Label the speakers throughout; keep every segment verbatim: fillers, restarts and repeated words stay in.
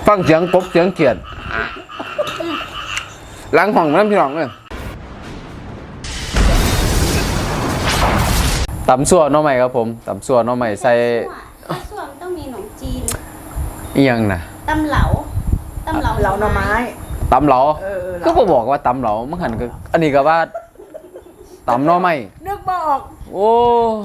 Speaker 1: ฟังเสียงกบเสียงเขียดล้างห้องน้ำพี่น้องเลยตำซั่วน้องใหม่ครับผมตำซั่วน้องใหม่ใส่
Speaker 2: ซั่วมันต้องมีขนมจีน
Speaker 1: อีหยังนะ
Speaker 2: ตำเหลาตำเหลา
Speaker 3: เหลาหน่อไม้
Speaker 1: ตำเหลาก็บอบอกว่าตำเหลามันหันก็อันนี้ก็ว่าตำน้องใหม่
Speaker 3: นึกบ่ออก
Speaker 1: โอ้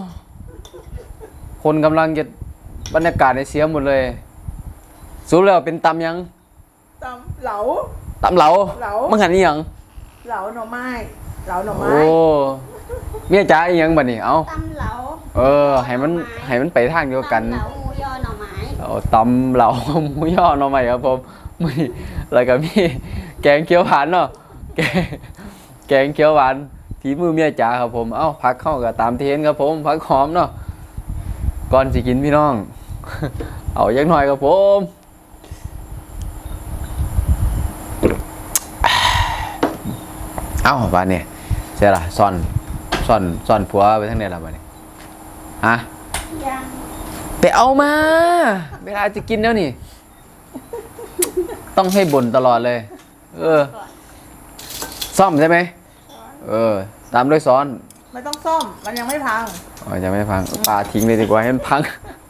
Speaker 1: คนกำลังจะบรรยากาศในเสียหมดเลยสูบแล้วเป็นตำยัง
Speaker 3: ตำเหลา
Speaker 1: ตำเหลา
Speaker 3: เหลา
Speaker 1: มันหันนี่ยัง
Speaker 3: เหลาหน่อไม้เหลาหน่อไม้
Speaker 1: โอ้เมียจ๋าอีหยังบัดนี้เอ้า
Speaker 2: ตำเหลา
Speaker 1: เออให้มันให้มันไปทางเดียวกัน
Speaker 2: ตำเหลาหมูยอหน่อไม้
Speaker 1: เอาตำเหลาหมูย่อหน่อไม้ครับผมมีแล้วก็มีแกงเขียวหวานเนาะแกงแกงเขียวหวานฝีมือเมียจ๋าครับผมเอ้าพักเข้ากับตามเทรนครับผมพักหอมเนาะก่อนสิกินพี่น้องเอายักหน่อยครับผมเอ้าบ้านนี่ใช่ละซ่อนซ่อนซ่อนผัวไปทั้งเนี่ยละบ้านนี่ฮะ
Speaker 2: ยัง
Speaker 1: ไปเอามาเวลาจะกินแล้วนี่ต้องให้บ่นตลอดเลยเออซ่อมใช่ไหมเออตามด้วยซ้อน
Speaker 3: ไม่ต้องซ่อมมันยังไม่พัง
Speaker 1: อ๋อยังไม่พังปลาทิ้งเลยดีกว่าให้มันพัง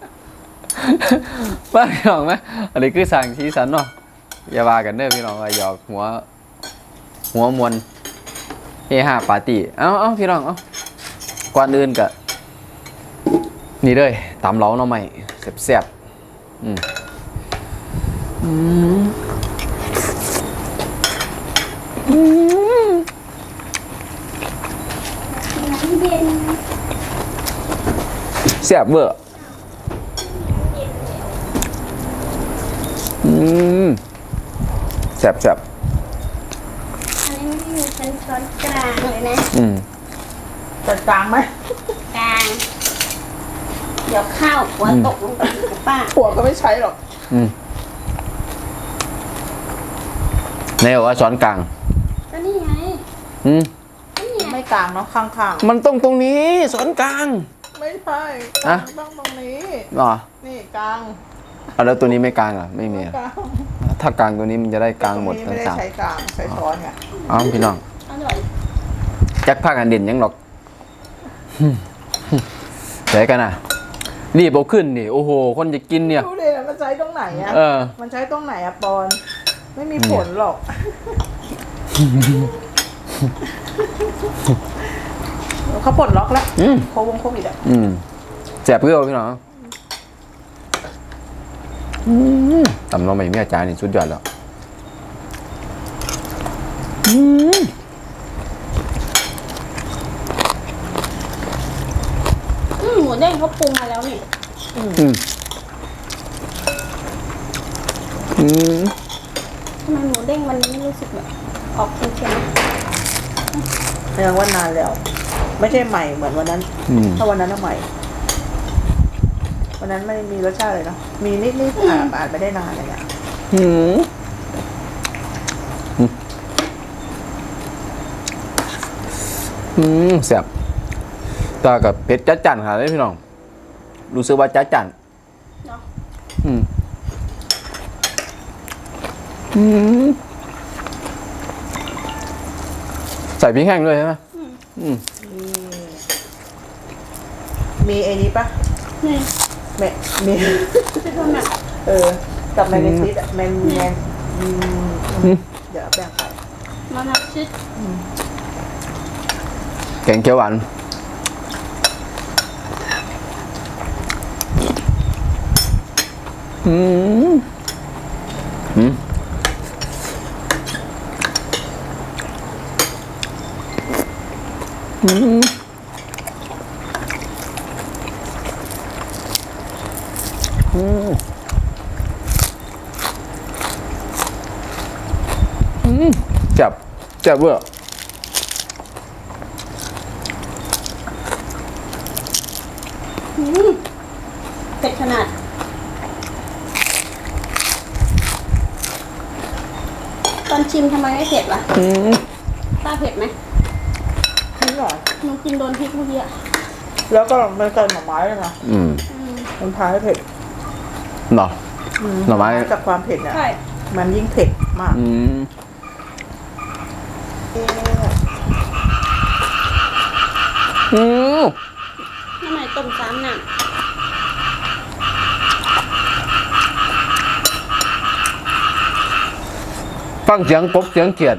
Speaker 1: บ้าพี่น้องไหมอันนี้คือสั่งชี้สันเนาะอย่าว่ากันเด้อพี่น้องหยอกหัวหัวมวลเฮฮาปาร์ตี้เอ้าเอ้าพี่น้องเอ้าก่อนอื่นกะนี่เลยตำเหลาหน่อไม้แซ่บๆอืมอืมอืม
Speaker 2: เย็น
Speaker 1: แซ่บเบอร์อืมแซ่บแซ่บ
Speaker 2: อันนี้ไม่มีเป็นช้อนกลางเลยนะ
Speaker 1: อืม
Speaker 3: จัดกลางไหม
Speaker 2: กลางเดี๋ยวข้าวหัวตกลงไปกับป้า
Speaker 3: หัวก็ไม่ใช้หรอก
Speaker 1: อืมในบอกว่าช้อนกลาง
Speaker 2: ก็นี่ไง
Speaker 1: อืม
Speaker 3: ไม่กลางเนาะข้าง
Speaker 1: ๆมันต้องตรงนี้ช้อนกลาง
Speaker 3: ไม่ใช่ต้องตรงนี้
Speaker 1: หรอ
Speaker 3: นี่กลาง
Speaker 1: อ่ะแล้วตัวนี้ไม่กลางเหรอไม่มีถ้ากลางตัวนี้มันจะได้กลางหมดทั้งสาม
Speaker 3: ไม่ได้ใช้กลางใช้ช้อนไง
Speaker 1: อ้าวพี่น้องแจ็คผ้ากันเด่นยังหรอกใช้กันอ่ะรีบเอาขึ้นนี่โอ้โหคนจะกินเนี่ย
Speaker 3: ดูดิมันใช้ตรงไหนอ่ะมันใช้ตรงไหนอ่ะปอนไม่มีผลหรอกเขาปลดล็อกแล้วโควงโควิดอ่ะ
Speaker 1: แสบเพื่อพี่น้องตำน้องใหม่เมียจ๋านี่สุดยอดแล้ว
Speaker 2: หมูเด้งเขาปรุงมาแล้วนี่ทำไมหมูเด้งวันนี้รู้สึกแบบออกเค็ม
Speaker 3: ๆยังว่านานแล้วไม่ใช่ใหม่เหมือนวันนั้นถ้าวันนั้นน่ะใหม่วันนั้นไม่มีรสชาติเลยเนาะมีนิดๆอ่านอ่านไม่ได้นานเลยอ่ะ
Speaker 1: หืมอืมแซ่บตากับเผ็ดจัดจั่นค่ะเลยพี่น้องรู้สึกว่าจัดจั่นเนาะอืมอืมใส่พริกแห้งด้วยใช่ไหมอืม
Speaker 3: มีไอ้นี้ปะ
Speaker 2: นี่
Speaker 3: แม่มีเออกับแมนซิสแมนแมนเดี๋ยวแบ่งไป
Speaker 2: มานับชิด
Speaker 1: แกงเขียวหวานอืมอืมอืมอืมอืมจับจับเบอร์
Speaker 2: เผ็ดขนาดตอนชิมทำไมไม่เผ็ดวะป้าเผ็ดไหม
Speaker 3: ไม่หรอ
Speaker 2: หนูกินโดนพริกเมื่อกี้
Speaker 3: แล้วก็มันใส่หน่อไม้เลยนะอืมมันพาให้เผ็ด
Speaker 1: หรอหน่อไม้
Speaker 3: จากความเผ็ดเนี่ย
Speaker 2: ใช่
Speaker 3: มันยิ่งเผ็ดมาก
Speaker 1: อืม
Speaker 3: เอ๊ะ
Speaker 1: อืม
Speaker 2: ทำไมต้มซ้ำน่ะ
Speaker 1: ฟังเสียงกบเสียงเขียด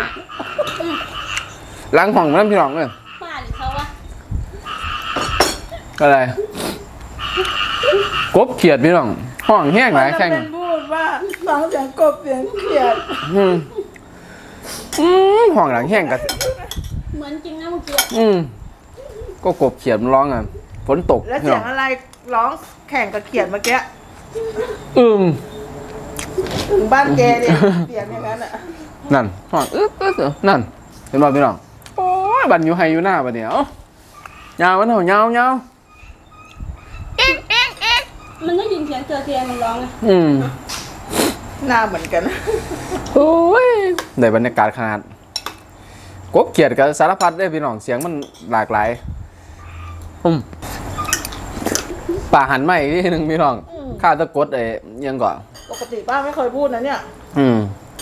Speaker 1: ล้างห้องน้ำพี่น้องเลย
Speaker 2: ป้าหรือเขาวะ
Speaker 1: อะไรกบเขียดพี่น้องห้องแห้งหลายแข่ง
Speaker 3: มันจะเป็นพูดว่าฟังเสียงกบเสียงเขียด
Speaker 1: อืมอืมห้องหลังแห้งกับ
Speaker 2: เหมือนจริงนะเมื่อกี้
Speaker 1: อืมก็กบเขียดมันร้องอ่ะฝนตก
Speaker 3: แล้ว
Speaker 1: พี่
Speaker 3: เสี
Speaker 1: น้
Speaker 3: ย
Speaker 1: อง ง
Speaker 3: อะไรร้องแข่งกับเขียดเมื่อกี้
Speaker 1: อึ้ง
Speaker 3: ถึงบ้านแกเนี่ยเสียงอย่างนั้นอ่ะ
Speaker 1: นั่นห้องอึ๊บอึ๊บอึ๊บนั่นเห็นบ่พี่น้องโอ้ยบันอยู่ไฮอยู่หน้าบันเดียวยาวมันเถอะยาวยาว
Speaker 2: มันได้ยินเสียงเจอเตียงมันร้องไง
Speaker 1: อืม
Speaker 3: หน้าเหมือนกัน
Speaker 1: โอ้ยได้บรรยากาศขนาดกบเขียดกับสารพัดได้พี่น้องเสียงมันหลากหลายอืมป่าหันมาอีกทีหนึ่งพี่น้องข้าตะกดไอ้ยังก่อน
Speaker 3: ปกติป้าไม่เคยพูดนะเนี่ย
Speaker 1: อืม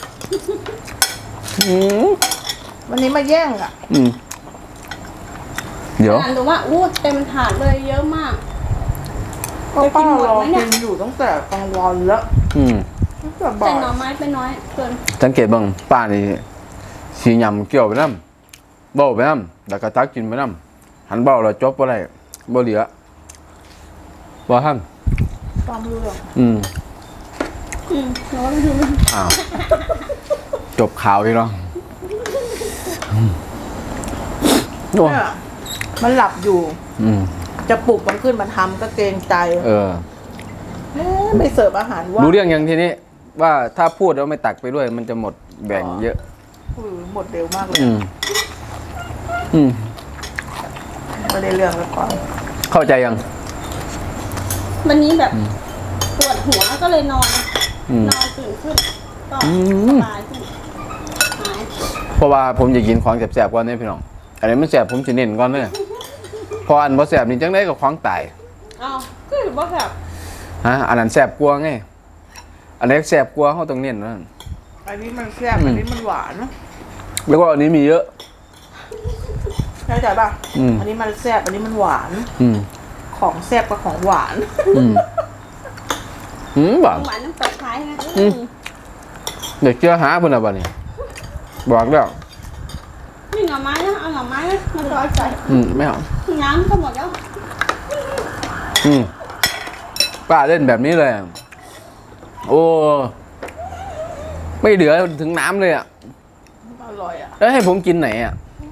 Speaker 1: อืม
Speaker 3: วันนี้มาแย่งอ่ะ
Speaker 1: อืมเดี๋ยว
Speaker 2: อ่านดูว่าอู้เต็มถาดเลยเยอะมาก
Speaker 3: ก็ป้ารอกินอยู่ตั้งแต่กลางวันแล้ว
Speaker 1: อืม
Speaker 3: ตั้งแต่บ่า
Speaker 2: แต่
Speaker 3: ย
Speaker 2: หน่อไม้ไปน้อยเกิน
Speaker 1: สังเกตเบ้างป้านี่สียำเกี่ยวไปน้ำเบ้าไปน้ำแล้วก็ตักกินไปน้ำหันเบ้าแล้วจบอะไรบ่เหลือบ่ท่าน
Speaker 3: ความเรื่อง
Speaker 1: อืม
Speaker 2: อืมร้อนอยู่
Speaker 1: อ้าวจบข่าวพี่น้องอืมโอ้ย
Speaker 3: เนี่ยมันหลับอยู่
Speaker 1: อืม
Speaker 3: จะปลุกมันขึ้นมาทำก็เกรงใจ
Speaker 1: เออ
Speaker 3: เอ๊ะไม่เสิร์ฟอาหารว่า
Speaker 1: รู้เรื่องยังทีนี้ว่าถ้าพูดแล้วไม่ตักไปด้วย มันจะหมดแบ่งเยอะ
Speaker 3: อือหมดเร็วมากเลย
Speaker 1: อืม อืม
Speaker 3: ไม่ได้เรื่องแล้วก่อน
Speaker 1: เข้าใจยัง
Speaker 2: วันนี้แบบปวดหัวก็เลยนอน
Speaker 1: อืม
Speaker 2: นอนตื่นขึ้นก็
Speaker 1: อื
Speaker 2: ส
Speaker 1: ม
Speaker 2: บายขึ้นหาย
Speaker 1: เพราะว่าผมอยากกินของแสบๆก่อนเนี่ยพี่น้องอันนี้มันแสบผมจะเน้นก่อนเลยพออันบ่แสบนี่จังได้กับของตาย
Speaker 2: เอาก็ถือว่าแบบ
Speaker 1: ฮะอันนั้นแสบกลัวไงอันนี้แสบกลัวเขาต้องเน้นนั่น
Speaker 3: อันนี้มันแซ่บอันนี้มันหวาน
Speaker 1: แล้วก็อันนี้มีเยอะ
Speaker 3: เข้าใจป่ะ
Speaker 1: อืม
Speaker 3: อันนี้มันแซ่บอันนี้มันหวาน
Speaker 1: อืม
Speaker 3: ของแซ่บกับของหวาน
Speaker 1: อืมอืมบ่า
Speaker 2: หวานน้ำตกท้ายนะ
Speaker 1: อืม เด็กเชื่อหาเพิ่นน่ะบัดนี้บอกแล้ว
Speaker 2: นี่หน่อไม้นะเอาหน่อไม้นะมาซอยใส่
Speaker 1: อืมไม่เอา
Speaker 2: น้ำก็หมดแล้ว
Speaker 1: อืมป้าเล่นแบบนี้เลยอะโอ้ไม่เหลือถึงน้ำเลยอ่ะ
Speaker 3: อร่อยอ่ะ
Speaker 1: แล้วให้ผมกินไหนอ่ะ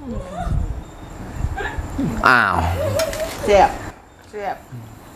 Speaker 1: อ้าว
Speaker 3: แซ่บแซ่บ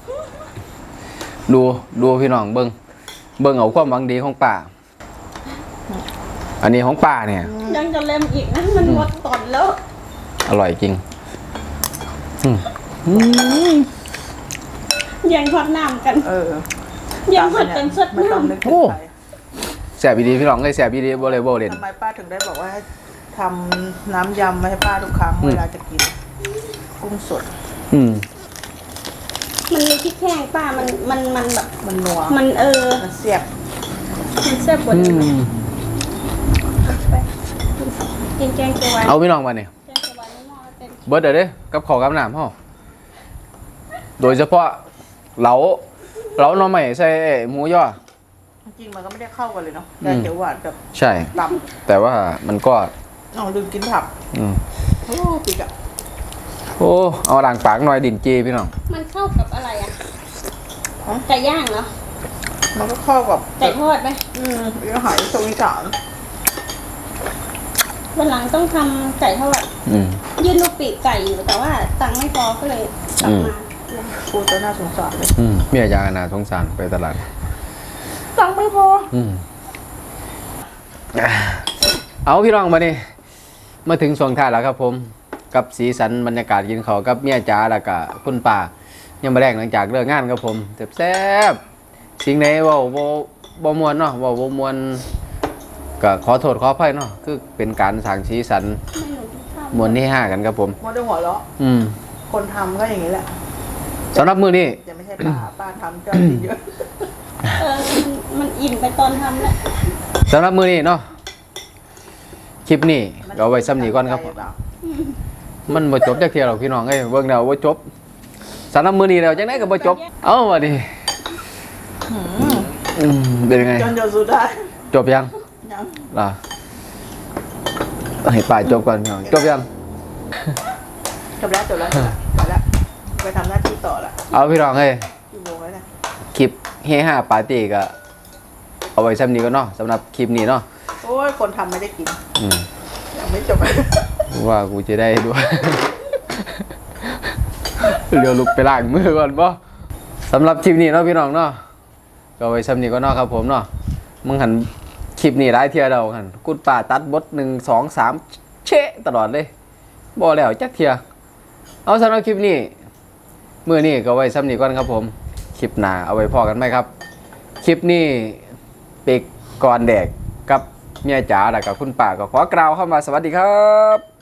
Speaker 1: ดูดูพี่น้องเบิ้งเบิ้งเอาความหวังดีของป้าอันนี้ของป้าเนี่ย
Speaker 2: ยังจะเล็มอีกนะมันหมดตอนแล้ว
Speaker 1: อร่อยจริงอืมอืม
Speaker 2: ยังทอดน้ำกัน
Speaker 3: เออ
Speaker 2: ยังทอดเป็นสด
Speaker 3: ไม่ต้อง
Speaker 2: น้ำ
Speaker 3: นึกถึงใคร
Speaker 1: แสบดีพี่น้องเลยแสบดีโบเลยโบเล่น
Speaker 3: ทำไมป้าถึงได้บอกว่าให้ทำน้ำยำมาให้ป้าทุกครั้ง
Speaker 1: อืม
Speaker 3: เวลาจะกิน กุ้งสด
Speaker 1: อืม
Speaker 2: มันมีพริกแห้งป้ามันมันมันแบบ
Speaker 3: มันนัว
Speaker 2: มันเออ
Speaker 3: มันแซ่บ
Speaker 2: มันแซ่บกว่า
Speaker 1: อื
Speaker 2: นี้
Speaker 1: ม
Speaker 2: ไปกินแกงเขียวหวาน
Speaker 1: เอาพี่น้องมาเนี่ย
Speaker 2: แกงเขียวหวานในหม้อเต็ม
Speaker 1: เบิร์ดเดี๋ยวเด้กับขอกับน้ำห่อโดยเฉพาะเหลาเหลาหน่อใหม่ใส่หมูย่อ
Speaker 3: จริงๆมันก็ไม่ได้เข้ากันเลยเนาะ
Speaker 1: อืม
Speaker 3: แกงเขียวหวานกับ
Speaker 1: ใช่
Speaker 3: ต
Speaker 1: แต่ว่ามันก็
Speaker 3: ำเอาลืมกินผัก
Speaker 1: อืม
Speaker 3: โอ้ปิกอะ
Speaker 1: โอ้เอาด่างปากหน่อยดินจีพี่น้อง
Speaker 2: มันเข้ากับอะไรอ่ะไก่ย่างเหรอ
Speaker 3: มันก็เข้ากับ
Speaker 2: ไก่ทอดไหม
Speaker 3: อืมอาหารตรงอีสาน
Speaker 2: วันหลังต้องทำไก่ทอด
Speaker 1: อืม
Speaker 2: ยื่นลูกปีกไก่อยู่แต่ว่าตังค์ไม่พอก็เลยสั่งมา
Speaker 3: พูดจะน่าสงสารเลย
Speaker 1: อืมเมียยานาสงสารไปตลาด
Speaker 3: ตังค์ไม่พอ
Speaker 1: อืมเอาพี่น้องมาดิมาถึงช่วงท้ายแล้วครับผม กับสีสันบรรยากาศกินข้าวกับเมียจ๋าแล้วก็คุณป่ายังมาแรกหลังจากเลิกงานครับผมแซ่บๆสิ่งไหนเว่าบ่บ่มวนเนาะเว่าบ่มวนก็ขอโทษขออภัยเนาะคือเป็นการสร้างสีสัน
Speaker 2: ไม่หนูกินข้าว
Speaker 1: มวนที่ห้ากันครับผม
Speaker 3: มันจะหัวเราะ
Speaker 1: อืม
Speaker 3: คนทำก็อย่างนี้แหละ
Speaker 1: สำหรับมือนี้
Speaker 3: จะไม่ใช่ป้า ป้าทำเจ้าที่เยอะ
Speaker 2: เออมันมันอิ่มไปตอนทำแล้ว
Speaker 1: สำหรับมือนี้เนาะคลิปนี้เอาไว้ซ้ำนี้ก่อนครับมันบ่จบจักเที่ยหรอกพี่น้องเอ้ยเบิ่งแล้วบ่จบสำหรับมือนี้แล้วจังได๋ก็บ่จบเอ้าว่าดิอืมเป็นยังไง
Speaker 3: จนจนสุดได้
Speaker 1: จบยัง
Speaker 3: ยัง
Speaker 1: ล่ะให้ป้าจบก่อนพี่น้องจบยัง
Speaker 3: จบแล้วจบแล้วจบแล้วจบแล้วไปทำหน้าที่ต่อละ
Speaker 1: เอาพี่น้องเอ้ย
Speaker 3: กี่โมงแล้วเนี่ย
Speaker 1: คลิปเฮฮาปาร์ตี้ก็เอาไว้ซ้ำนี้ก็เนาะสำหรับคลิปนี้เนาะ
Speaker 3: โอ้ยคนทำไม่ได้กิน
Speaker 1: อืม
Speaker 3: ยังไม่จบ
Speaker 1: ว่ากูจะได้ด้วย เดี๋ยวลุกไปล้างมือก่อนป่ะสำหรับคลิปนี้เนาะพี่น้องเนาะก็เอาไว้ซ้ำนี้ก็เนาะครับผมเนาะมึงหันคลิปนี้ร้ายเทียเดาหันกุดป่าตัดบทหนึ่งสองสามเชะตลอดเลยบ่แล้วจักเทียเอาสำหรับคลิปนี้มื้อนี้ก็ไว้ซ้ำนี้ก่อนครับผมคลิปหน้าเอาไว้พอกันไหมครับ คลิปนี้เป็กก่อนแดกกับเมียจ๋าแล้วกับคุณป่าก็ขอกล่าวเข้ามาสวัสดีครับ